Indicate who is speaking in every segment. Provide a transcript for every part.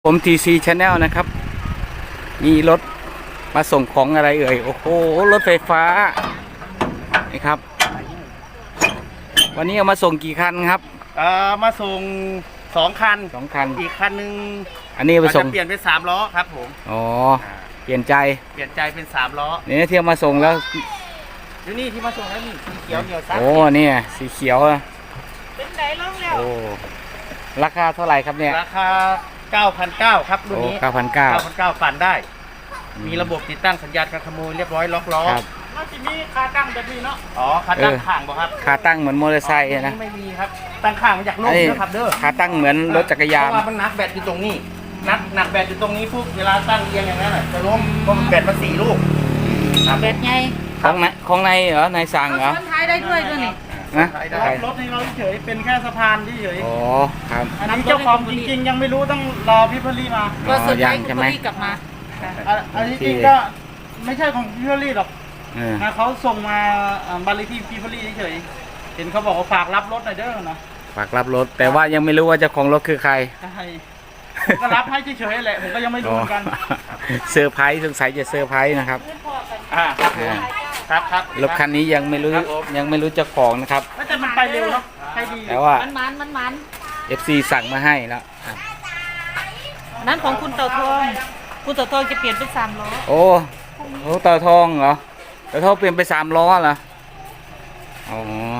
Speaker 1: ผม TC Channel นะครับ มีรถมาส่งของอะไรเอ่ย โอ้โห รถไฟฟ้า นี่ครับ วันนี้เอามาส่งกี่คันครับ
Speaker 2: มาส่ง2 คัน
Speaker 1: 2 คัน
Speaker 2: อีกคันหนึ่ง
Speaker 1: อันนี้ไปส่ง
Speaker 2: จะเปลี่ยนเป็น3 ล้อครับผม
Speaker 1: อ๋อ เปลี่ยนใจ
Speaker 2: เปลี่ยนใจเป็น3 ล้อ
Speaker 1: เนี่ยที่เอามาส่งแล้ว
Speaker 2: ดูนี่ที่มาส่งแล้วนี่สีเขียวเหนียวซับ
Speaker 1: โอ้เนี่ยสีเขียวอะ
Speaker 3: เป็นไหนลงแล้ว
Speaker 1: โอ้ ราคาเท่าไหร่ครับเนี่ย
Speaker 2: ราคา 9,900 ครับรุ่น
Speaker 1: โอ้
Speaker 2: นี้
Speaker 1: 9,900
Speaker 2: 9,900ปั่นได้ มีระบบติดตั้งสัญญาณการขโมยเรียบร้อยล็อกล้อ
Speaker 1: ครับ
Speaker 3: น่าจะมีคาตั้งแบบนี้เนาะ
Speaker 2: อ๋อคันตั้งข้างบ่ครับ
Speaker 1: ขาตั้งเหมือนมอเตอร์ไซค์นะ
Speaker 2: ไม่มีครับตั้งข้างมาจากโลก
Speaker 1: ไอ้
Speaker 2: นะครับเด้อ
Speaker 1: ขาตั้งเหมือนรถจักรยาน
Speaker 2: เพราะว่ามันนักแบตอยู่ตรงนี้นักแบตอยู่ตรงนี้ปุ๊บเวลาตั้งเรียงอย่างนั้นน่ะจะล้มเพราะมันแบตมา4 ลูกครับ
Speaker 3: เบ็ดไง
Speaker 1: ของในเหรอในสั่งเหรอ
Speaker 3: ซ้อนท้ายได้ด้วยนี่
Speaker 1: นะ
Speaker 2: รถให้เราเฉยเป็นแค่สะพานเฉย
Speaker 1: อ๋อครับ
Speaker 2: อันนี้เจ้าของจริงๆยังไม่รู้ต้องรอพี่พลีมา
Speaker 3: ก็สุดท้าย
Speaker 1: ยัง
Speaker 3: คุ
Speaker 1: ใช่
Speaker 3: ณ
Speaker 1: ไหม
Speaker 3: พลีกลับมา
Speaker 2: อันนี้จริงก็ไม่ใช่ของพี่พลีหรอก
Speaker 1: เออ
Speaker 2: นะเขาส่งมาบัตรเลขที่พี่พลีเฉยเห็นเขาบอกว่าฝากรับรถหน่อยเด้อนะ
Speaker 1: ฝากรับรถ แต่ว่ายังไม่รู้ว่าเจ้าของรถคือใคร
Speaker 2: ใช่ผมก็รับให้เฉยๆแหละผมก็ยังไม่รู้เหมือนกัน
Speaker 1: เซอร์ไพรส์สงสัยจะเซอร์ไพรส์นะครับ
Speaker 2: ครับผมครับ
Speaker 1: รถคันนี้ยังไม่รู้เจ้าของนะครับ
Speaker 2: แล้วแต่มันไปเร็วเนาะไปดี
Speaker 1: แต่ว่า
Speaker 3: มัน
Speaker 1: FC สั่งมาให้แล้วครับ
Speaker 3: นั้นของคุณเต่าทอง คุณเต่าทองจะเปลี่ยนเป็น3 ล้อ
Speaker 1: โอ้เต่าทองเหรอเต่าทองเปลี่ยนไป3 ล้อเหรออ๋อ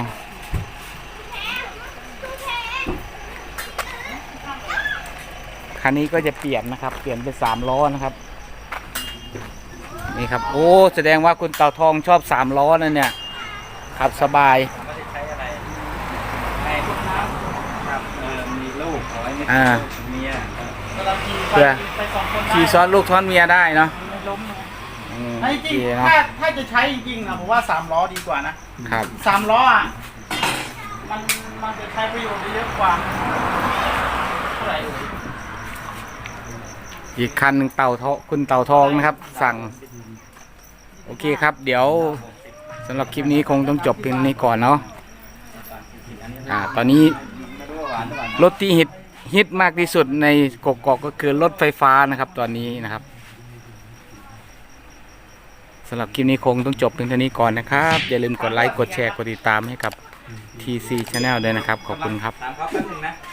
Speaker 1: คันนี้ก็จะเปลี่ยนนะครับ เปลี่ยนเป็น3 ล้อนะครับนี่ครับโอ้แสดงว่าคุณเต่าทองชอบ3 ล้อนั่นเนี่ยขับสบาย
Speaker 2: ไม่ได้ใช้อะไรในลูกน้ำครับมีลูกเอาไว้ไม่
Speaker 1: อ่า
Speaker 2: เมีย
Speaker 1: เพื่อ
Speaker 2: ไป2 คนได้
Speaker 1: ขี่ซ้อนลูกซ้อนเมียได้เนาะ
Speaker 2: ไม่ล้มนะ
Speaker 1: อืม
Speaker 2: ให้
Speaker 1: โอ
Speaker 2: จ
Speaker 1: เค
Speaker 2: ริง
Speaker 1: เนาะ
Speaker 2: ถ้าจะใช้จริงๆนะผมว่า3 ล้อดีกว่านะครับ 3 ล้ออ่ะมันจะใช้ประโยชน์ได้เยอะกว่าเท่าไหร่เอ่ย
Speaker 1: อีกคันหนึ่งคุณเต่าทองนะครับ สั่งโอเคครับ เดี๋ยวสำหรับคลิปนี้คงต้องจบเพียงนี้ก่อนเนาะตอนนี้รถที่ฮิตมากที่สุดในกกอกก็คือรถไฟฟ้านะครับตอนนี้นะครับสำหรับคลิปนี้คงต้องจบเพียงเท่านี้ก่อนนะครับอย่าลืมกดไลค์กดแชร์กดติดตามให้กับ TC Channel ด้วยนะครับขอบคุณครับ